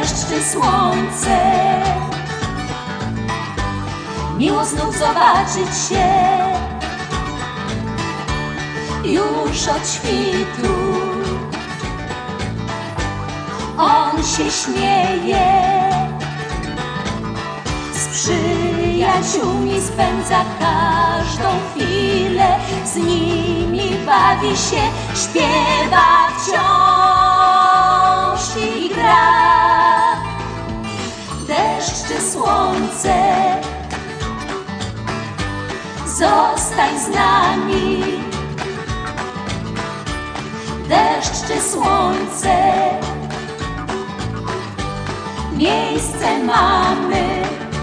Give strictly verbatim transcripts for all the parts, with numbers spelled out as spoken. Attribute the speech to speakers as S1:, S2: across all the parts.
S1: deszcz czy słońce. Miło znów zobaczyć się już od świtu. On się śmieje, z przyjaciółmi spędza każdą chwilę, z nimi bawi się, śpiewa wciąż i gra. Deszcz czy słońce, zostań z nami. Deszcz czy słońce, miejsce mamy.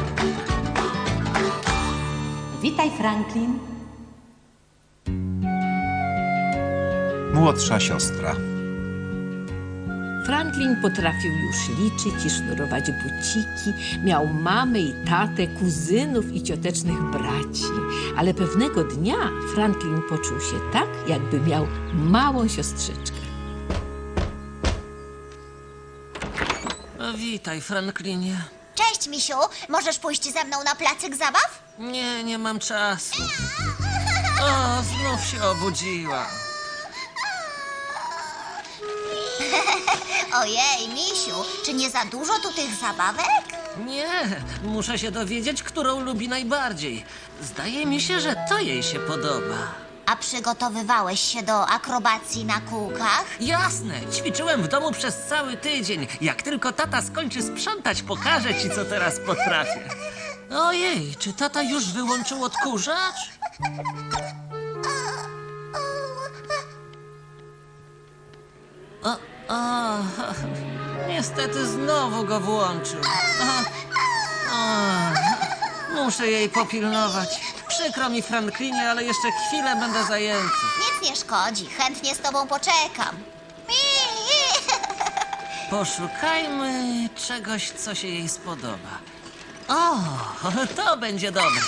S1: Witaj, Franklin.
S2: Młodsza siostra.
S3: Franklin potrafił już liczyć i sznurować buciki, miał mamę i tatę, kuzynów i ciotecznych braci. Ale pewnego dnia Franklin poczuł się tak, jakby miał małą siostrzyczkę.
S4: O, witaj, Franklinie.
S5: Cześć, misiu. Możesz pójść ze mną na placyk zabaw?
S4: Nie, nie mam czasu. O, znów się obudziła.
S5: Ojej, misiu, czy nie za dużo tu tych zabawek?
S4: Nie, muszę się dowiedzieć, którą lubi najbardziej. Zdaje mi się, że to jej się podoba.
S5: A przygotowywałeś się do akrobacji na kółkach?
S4: Jasne, ćwiczyłem w domu przez cały tydzień. Jak tylko tata skończy sprzątać, pokażę ci, co teraz potrafię. Ojej, czy tata już wyłączył odkurzacz? O, o, niestety znowu go włączył. O, o, muszę jej popilnować. Przykro mi, Franklinie, ale jeszcze chwilę będę zajęty.
S5: Nic nie szkodzi, chętnie z tobą poczekam.
S4: Poszukajmy czegoś, co się jej spodoba. O, to będzie dobre.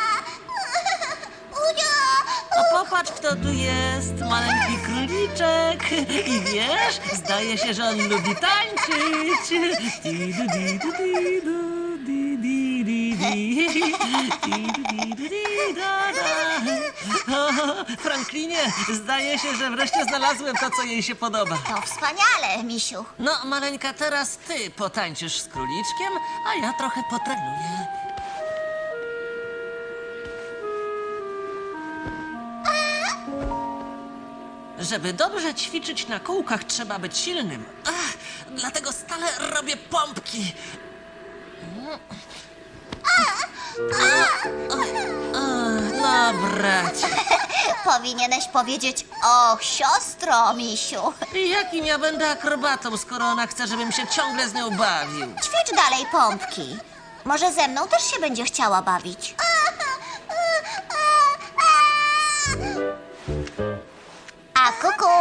S4: A popatrz, kto tu jest. Maleńki króliczek. I wiesz, zdaje się, że on lubi tańczyć. Didu, didu, didu, di, di, di, di. Didu, didu, di, da, da. O, Franklinie, zdaje się, że wreszcie znalazłem to, co jej się podoba.
S5: To wspaniale, misiu.
S4: No, maleńka, teraz ty potańczysz z króliczkiem, a ja trochę potrenuję. Żeby dobrze ćwiczyć na kółkach, trzeba być silnym. Ach, dlatego stale robię pompki. No, bracie.
S5: Powinieneś powiedzieć, och, siostro, misiu.
S4: Jakim ja będę akrobatą, skoro ona chce, żebym się ciągle z nią bawił?
S5: Ćwicz dalej pompki. Może ze mną też się będzie chciała bawić. A kuku.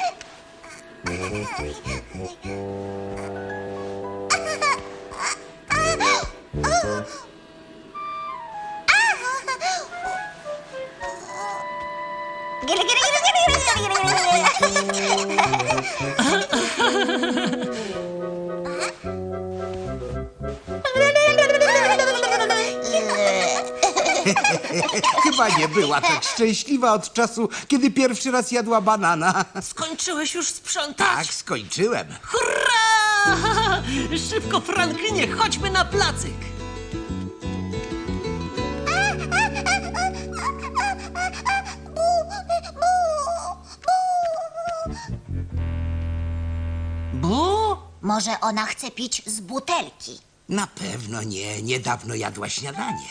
S6: Chyba nie była tak szczęśliwa od czasu, kiedy pierwszy raz jadła banana.
S4: Skończyłeś już sprzątać?
S6: Tak, skończyłem.
S4: Hurra! Szybko, Franklinie, chodźmy na placyk. Bu?
S5: Może ona chce pić z butelki.
S6: Na pewno nie. Niedawno jadła śniadanie.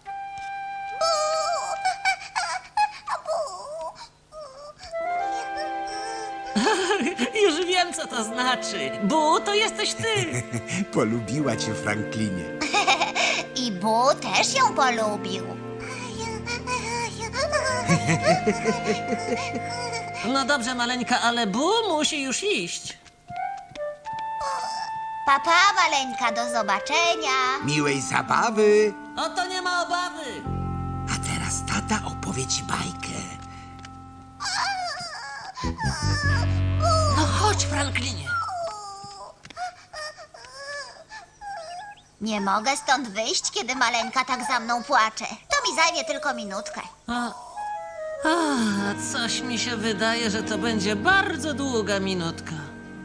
S4: Już wiem, co to znaczy. Bu, to jesteś ty.
S6: Polubiła cię, Franklinie.
S5: I Bu też ją polubił.
S4: No dobrze, maleńka, ale Bu musi już iść.
S5: Papa, maleńka, do zobaczenia.
S6: Miłej zabawy.
S4: O to nie ma obawy.
S6: A teraz tata opowie ci bajkę.
S4: No chodź, Franklinie.
S5: Nie mogę stąd wyjść, kiedy maleńka tak za mną płacze. To mi zajmie tylko minutkę.
S4: A, a, coś mi się wydaje, że to będzie bardzo długa minutka.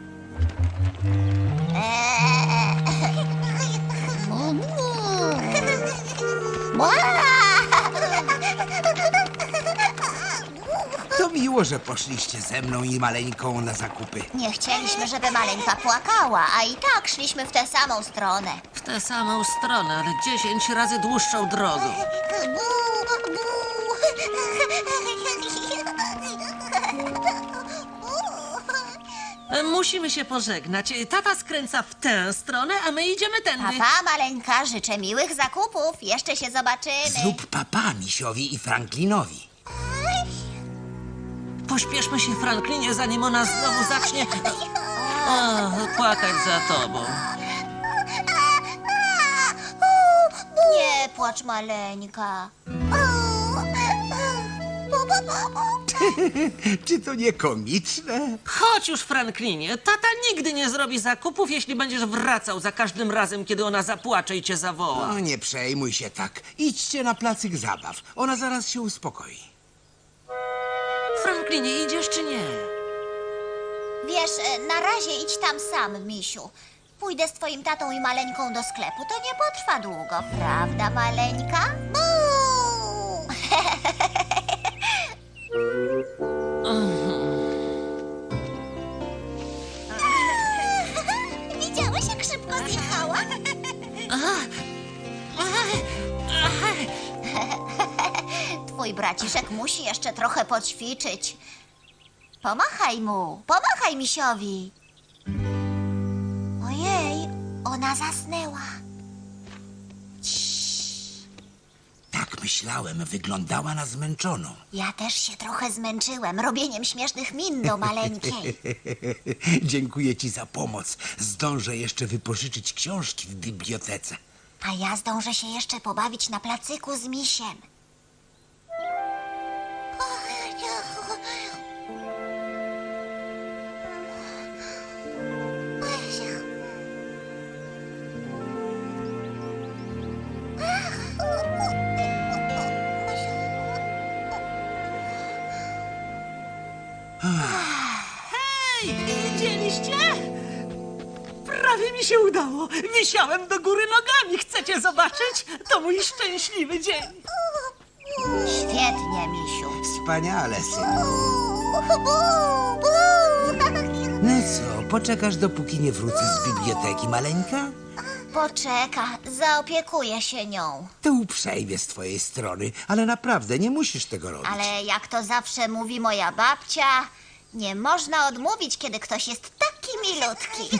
S6: To miło, że poszliście ze mną i maleńką na zakupy.
S5: Nie chcieliśmy, żeby maleńka płakała, a i tak szliśmy w tę samą stronę.
S4: W tę samą stronę, ale dziesięć razy dłuższą drogą. E, Musimy się pożegnać. Tata skręca w tę stronę, a my idziemy tędy.
S5: Papa, maleńka, życzę miłych zakupów. Jeszcze się zobaczymy.
S6: Zrób papa Misiowi i Franklinowi.
S4: Pośpieszmy się, Franklinie, zanim ona znowu zacznie a, płakać za tobą.
S5: Nie płacz, maleńka.
S6: Czy to nie komiczne?
S4: Chodź już, Franklinie. Tata nigdy nie zrobi zakupów, jeśli będziesz wracał za każdym razem, kiedy ona zapłacze i cię zawoła.
S6: O, nie przejmuj się tak. Idźcie na placyk zabaw. Ona zaraz się uspokoi.
S4: Franklinie, idziesz czy nie?
S5: Wiesz, e, na razie idź tam sam, misiu. Pójdę z twoim tatą i maleńką do sklepu. To nie potrwa długo, prawda, maleńka? Buu! Widziałeś, jak szybko zjechała? Twój braciszek musi jeszcze trochę poćwiczyć. Pomachaj mu, pomachaj misiowi. Ojej, ona zasnęła.
S6: Tak myślałem, wyglądała na zmęczoną.
S5: Ja też się trochę zmęczyłem robieniem śmiesznych min do maleńkiej.
S6: Dziękuję ci za pomoc. Zdążę jeszcze wypożyczyć książki w bibliotece.
S5: A ja zdążę się jeszcze pobawić na placyku z misiem.
S4: Hej, widzieliście? Prawie mi się udało. Wisiałem do góry nogami. Chcecie zobaczyć? To mój szczęśliwy dzień.
S5: Świetnie, misiu.
S6: Wspaniale, synu. No co, poczekasz dopóki nie wrócę z biblioteki, maleńka?
S5: Poczeka, zaopiekuję się nią.
S6: To uprzejmie z twojej strony, ale naprawdę nie musisz tego robić.
S5: Ale jak to zawsze mówi moja babcia, nie można odmówić, kiedy ktoś jest taki milutki.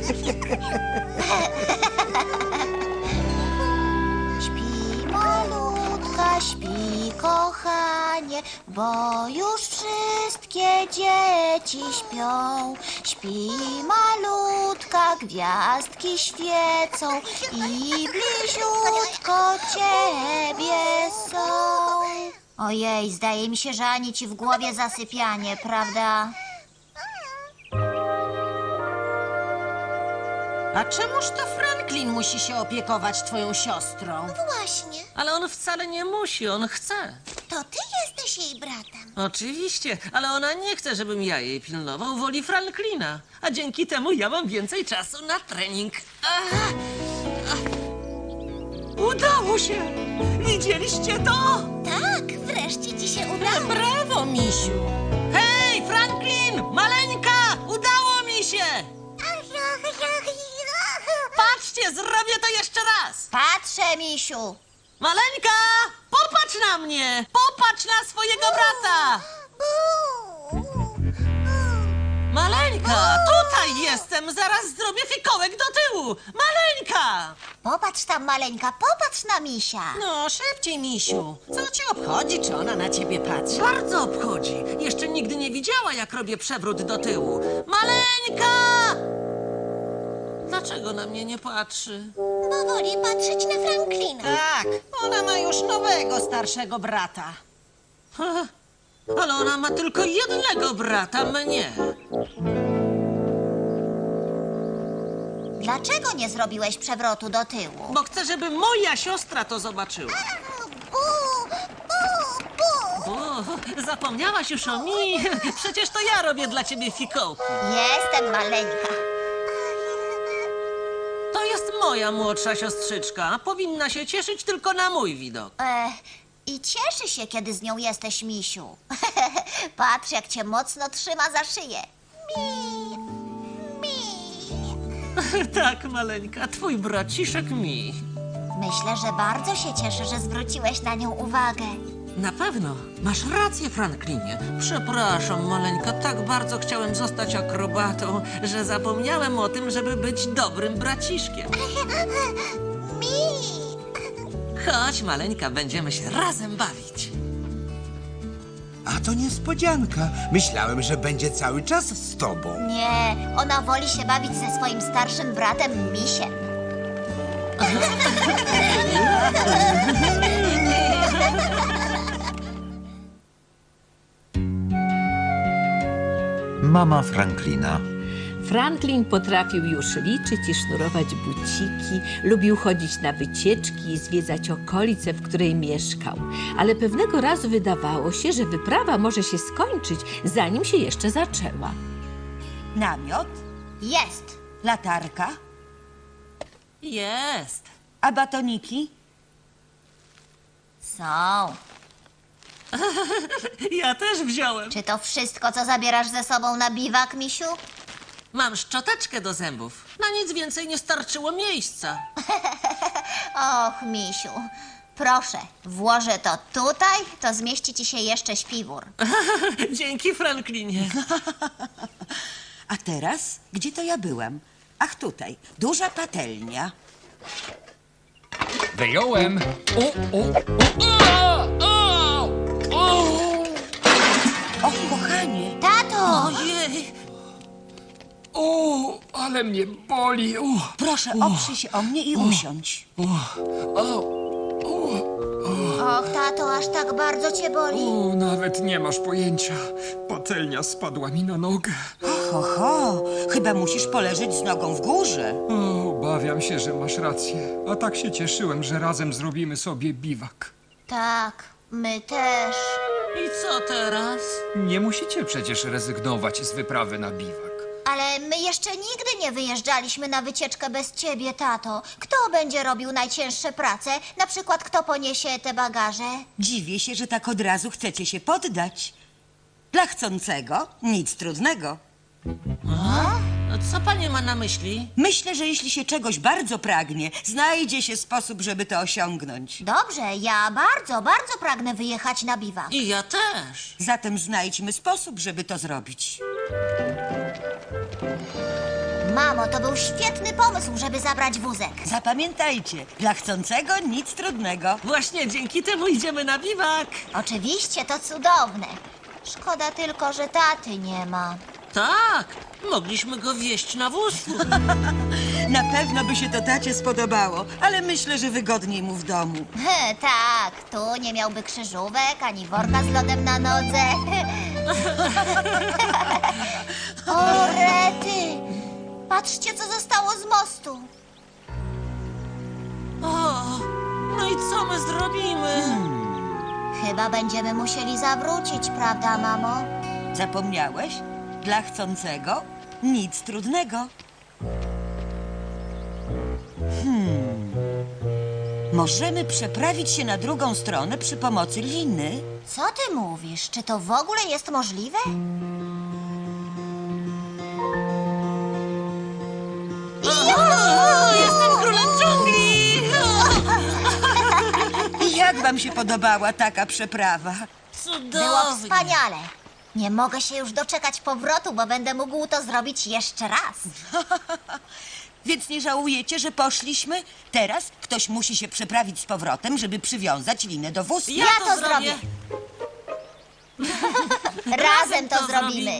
S5: Śpi malutka, śpi kochanie, bo już wszystkie dzieci śpią. Śpi malutka, gwiazdki świecą i bliziutko ciebie są. Ojej, zdaje mi się, że ani ci w głowie zasypianie, prawda?
S2: A czemuż to Franklin musi się opiekować twoją siostrą?
S5: Właśnie,
S4: Ale on wcale nie musi, on chce.
S5: to ty jesteś jej bratem.
S4: Oczywiście, ale ona nie chce, żebym ja jej pilnował, woli Franklina. A dzięki temu ja mam więcej czasu na trening. Ach, ach. Udało się! Widzieliście to?
S5: Tak, wreszcie ci się udało.
S2: Brawo, misiu!
S4: Hej, Franklin! Maleńka! Udało mi się! Patrzcie, zrobię to jeszcze raz!
S5: Patrzę, misiu.
S4: Maleńka! Popatrz na mnie! Popatrz na swojego brata! Maleńka! Tutaj jestem! Zaraz zrobię fikołek do tyłu! Maleńka!
S5: Popatrz tam, maleńka, popatrz na misia.
S2: No, szybciej, misiu. Co cię obchodzi, czy ona na ciebie patrzy?
S4: Bardzo obchodzi. Jeszcze nigdy nie widziała, jak robię przewrót do tyłu. Maleńka! Dlaczego na mnie nie patrzy?
S5: Bo woli patrzeć na Franklina.
S2: Tak, ona ma już nowego, starszego brata.
S4: Ha, ale ona ma tylko jednego brata, mnie.
S5: Dlaczego nie zrobiłeś przewrotu do tyłu?
S4: Bo chcę, żeby moja siostra to zobaczyła.
S5: Bu, bu, bu.
S4: O, zapomniałaś już o mi? Przecież to ja robię dla ciebie fikołki.
S5: Jestem maleńka.
S4: To jest moja młodsza siostrzyczka. Powinna się cieszyć tylko na mój widok.
S5: E, I cieszy się, kiedy z nią jesteś, misiu. Patrz, jak cię mocno trzyma za szyję. Mi, mi.
S4: Tak, maleńka, twój braciszek mi.
S5: Myślę, że bardzo się cieszy, że zwróciłeś na nią uwagę.
S4: Na pewno. Masz rację, Franklinie. Przepraszam, maleńka, tak bardzo chciałem zostać akrobatą, że zapomniałem o tym, żeby być dobrym braciszkiem.
S5: Mi.
S4: Chodź, maleńka, będziemy się razem bawić.
S6: A to niespodzianka. Myślałem, że będzie cały czas z tobą.
S5: Nie, ona woli się bawić ze swoim starszym bratem, misiem.
S7: Mama Franklina.
S3: Franklin potrafił już liczyć i sznurować buciki, lubił chodzić na wycieczki i zwiedzać okolice, w której mieszkał. Ale pewnego razu wydawało się, że wyprawa może się skończyć, zanim się jeszcze zaczęła.
S8: Namiot,
S5: Jest.
S8: latarka,
S4: Jest.
S8: a batoniki?
S5: Są.
S4: Ja też wziąłem.
S5: Czy to wszystko, co zabierasz ze sobą na biwak, misiu?
S4: Mam szczoteczkę do zębów. Na nic więcej nie starczyło miejsca.
S5: Och, misiu. Proszę, włożę to tutaj, to zmieści ci się jeszcze śpiwór.
S4: Dzięki, Franklinie.
S8: A teraz? Gdzie to ja byłam? Ach, tutaj. Duża patelnia.
S9: Wyjąłem. O, o, o, o, o, o.
S8: Och, kochanie.
S5: Tato!
S4: Ojej.
S9: O, ale mnie boli. O,
S8: Proszę, oprzyj się o mnie i usiądź.
S5: Och, tato, aż tak bardzo cię boli.
S9: o, nawet nie masz pojęcia. Patelnia spadła mi na nogę.
S8: Ho, ho, chyba musisz poleżeć z nogą w górze.
S9: O, obawiam się, że masz rację. A tak się cieszyłem, że razem zrobimy sobie biwak.
S5: Tak, my też.
S4: I co teraz?
S9: Nie musicie przecież rezygnować z wyprawy na biwak.
S5: Ale my jeszcze nigdy nie wyjeżdżaliśmy na wycieczkę bez ciebie, tato. Kto będzie robił najcięższe prace? Na przykład kto poniesie te bagaże?
S8: Dziwię się, że tak od razu chcecie się poddać. Dla chcącego nic trudnego.
S4: Co pani ma na myśli?
S8: Myślę, że jeśli się czegoś bardzo pragnie, znajdzie się sposób, żeby to osiągnąć.
S5: Dobrze, ja bardzo, bardzo pragnę wyjechać na biwak.
S4: I ja też.
S8: Zatem znajdźmy sposób, żeby to zrobić.
S5: Mamo, to był świetny pomysł, żeby zabrać wózek.
S8: Zapamiętajcie, dla chcącego nic trudnego.
S4: Właśnie dzięki temu idziemy na biwak.
S5: Oczywiście, to cudowne. Szkoda tylko, że taty nie ma.
S4: Tak, mogliśmy go wieźć na wózku.
S8: Na pewno by się to tacie spodobało, ale myślę, że wygodniej mu w domu.
S5: He, tak, tu nie miałby krzyżówek, ani worka z lodem na nodze. O, rety! Patrzcie, co zostało z mostu.
S4: O, no i co my zrobimy?
S5: Chyba będziemy musieli zawrócić, prawda, mamo?
S8: Zapomniałeś? Dla chcącego nic trudnego. Hmm. Możemy przeprawić się na drugą stronę przy pomocy liny.
S5: Co ty mówisz? Czy to w ogóle jest możliwe?
S4: O, jestem królem dżungli!
S8: I jak wam się podobała taka przeprawa?
S4: Cudownie.
S5: Było wspaniale. Nie mogę się już doczekać powrotu, bo będę mógł to zrobić jeszcze raz.
S8: Więc nie żałujecie, że poszliśmy? Teraz ktoś musi się przeprawić z powrotem, żeby przywiązać linę do wózka.
S4: Ja,
S5: Ja to zrobię. Razem to zrobimy.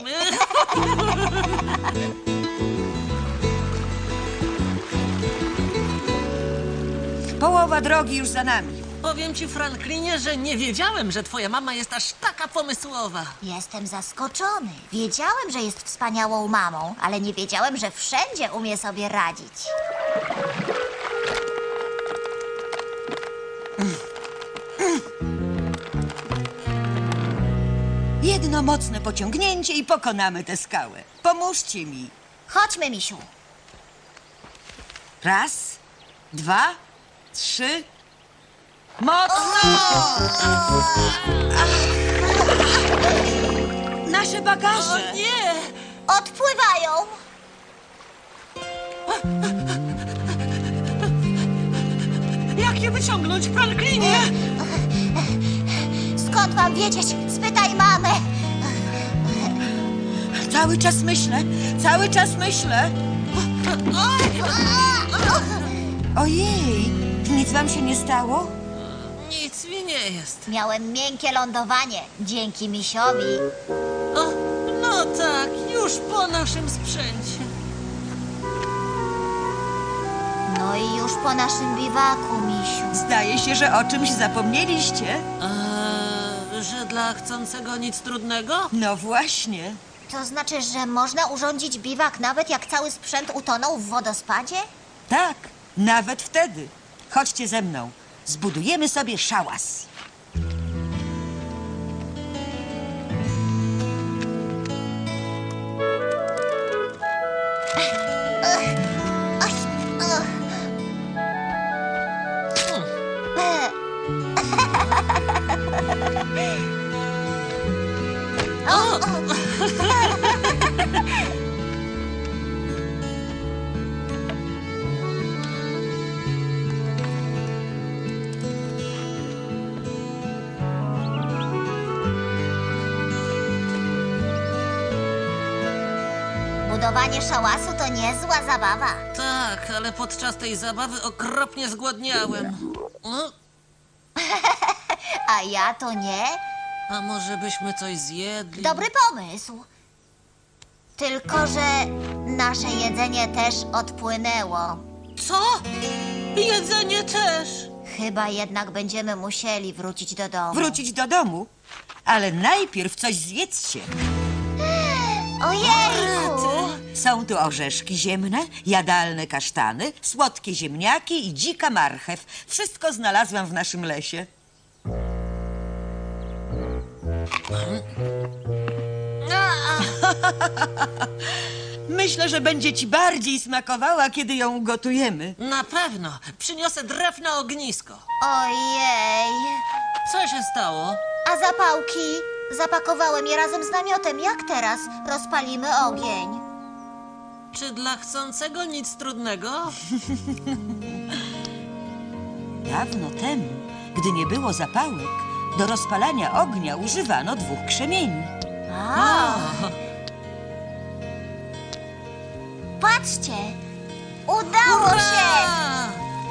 S8: Połowa drogi już za nami.
S4: Powiem ci, Franklinie, że nie wiedziałem, że twoja mama jest aż taka pomysłowa.
S5: Jestem zaskoczony. Wiedziałem, że jest wspaniałą mamą, ale nie wiedziałem, że wszędzie umie sobie radzić.
S8: Jedno mocne pociągnięcie i pokonamy tę skałę. Pomóżcie mi.
S5: Chodźmy, misiu.
S8: Raz, dwa, trzy. Mocno! Nasze bagaże!
S4: Nie!
S5: Odpływają.
S4: Jak je wyciągnąć, Franklinie?
S5: Skąd mam wiedzieć? Spytaj mamę.
S8: Cały czas myślę, cały czas myślę. Ojej, nic wam się nie stało?
S4: Nic mi nie jest.
S5: Miałem miękkie lądowanie dzięki misiowi.
S4: O, no tak, już po naszym sprzęcie.
S5: No i już po naszym biwaku, misiu.
S8: Zdaje się, że o czymś zapomnieliście.
S4: Eee, że dla chcącego nic trudnego?
S8: No właśnie.
S5: To znaczy, że można urządzić biwak nawet jak cały sprzęt utonął w wodospadzie?
S8: Tak, nawet wtedy. Chodźcie ze mną. Zbudujemy sobie szałas.
S5: Budowanie szałasu to niezła zabawa.
S4: Tak, ale podczas tej zabawy okropnie zgłodniałem. O,
S5: A ja to nie?
S4: a może byśmy coś zjedli?
S5: Dobry pomysł. Tylko, że nasze jedzenie też odpłynęło.
S4: Co? Jedzenie też.
S5: Chyba jednak będziemy musieli wrócić do domu.
S8: Wrócić do domu. Ale najpierw coś zjedzcie.
S5: Ojejku!
S8: Są tu orzeszki ziemne, jadalne kasztany, słodkie ziemniaki i dzika marchew. Wszystko znalazłam w naszym lesie. Myślę, że będzie ci bardziej smakowała, kiedy ją ugotujemy.
S4: Na pewno. Przyniosę drew na ognisko.
S5: Ojej!
S4: Co się stało?
S5: A zapałki? Zapakowałem je razem z namiotem. Jak teraz rozpalimy ogień?
S4: Czy dla chcącego nic trudnego?
S8: Dawno temu, gdy nie było zapałek, do rozpalania ognia używano dwóch krzemieni.
S5: A, patrzcie! Udało się!
S4: A!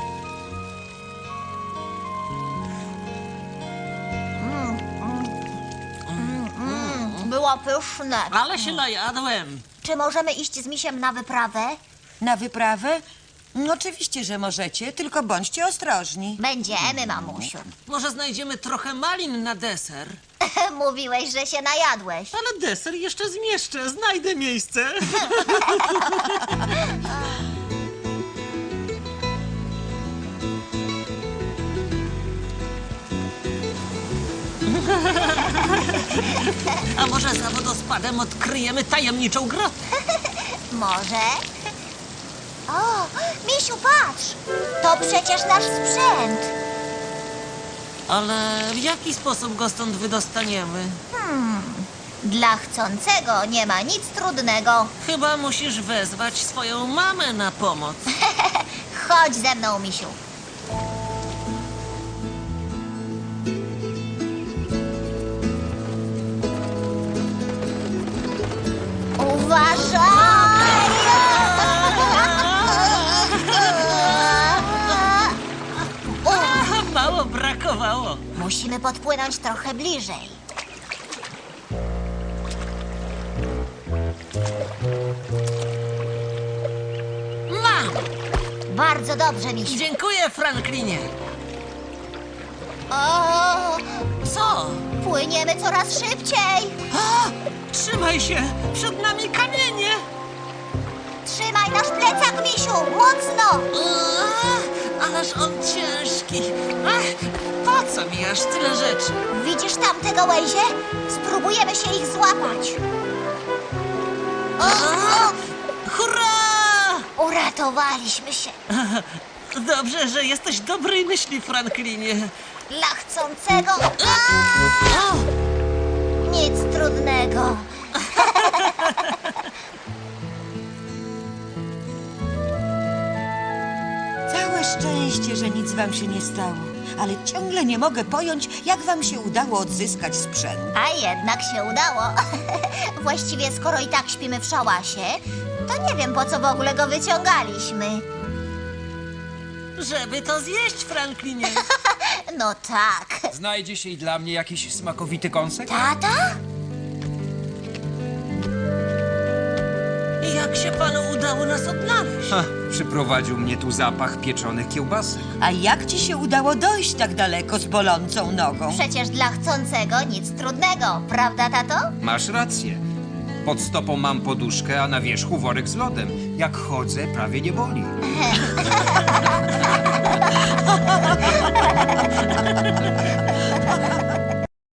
S5: Było pyszne.
S4: Ale się najadłem.
S5: Czy możemy iść z misiem na wyprawę?
S8: Na wyprawę? No, oczywiście, że możecie, tylko bądźcie ostrożni.
S5: Będziemy, mamusiu.
S4: Może znajdziemy trochę malin na deser?
S5: Mówiłeś, że się najadłeś.
S4: Ale deser jeszcze zmieszczę. Znajdę miejsce. A może za wodospadem odkryjemy tajemniczą grotę?
S5: Może? O, misiu, patrz! To przecież nasz sprzęt.
S4: Ale w jaki sposób go stąd wydostaniemy?
S5: Dla chcącego nie ma nic trudnego.
S4: Chyba musisz wezwać swoją mamę na pomoc.
S5: Chodź ze mną, misiu. Uważaj!
S4: Mało brakowało.
S5: Musimy podpłynąć trochę bliżej.
S4: Mam!
S5: Bardzo dobrze, misiu.
S4: Dziękuję, Franklinie.
S5: O,
S4: Co?
S5: płyniemy coraz szybciej.
S4: A, trzymaj się! Przed nami kamienie!
S5: Trzymaj nasz plecak, misiu, mocno.
S4: A, ależ on ciężki. Ach, po co mi aż tyle rzeczy?
S5: Widzisz tam te gałęzie? Spróbujemy się ich złapać. O, o,
S4: Hurra!
S5: uratowaliśmy się.
S4: Dobrze, że jesteś dobrej myśli, Franklinie.
S5: Dla chcącego... A! Nic trudnego.
S8: Całe szczęście, że nic wam się nie stało. Ale ciągle nie mogę pojąć, jak wam się udało odzyskać sprzęt.
S5: A jednak się udało. Właściwie skoro i tak śpimy w szałasie, to nie wiem, po co w ogóle go wyciągaliśmy.
S4: Żeby to zjeść, Franklinie.
S5: No tak.
S10: Znajdzie się i dla mnie jakiś smakowity kąsek?
S5: Tata?
S4: Jak się panu udało nas odnaleźć?
S10: Ha, przyprowadził mnie tu zapach pieczonych kiełbasek.
S8: A jak ci się udało dojść tak daleko z bolącą nogą?
S5: Przecież dla chcącego nic trudnego, prawda, tato?
S10: Masz rację. Pod stopą mam poduszkę, a na wierzchu worek z lodem. Jak chodzę, prawie nie boli.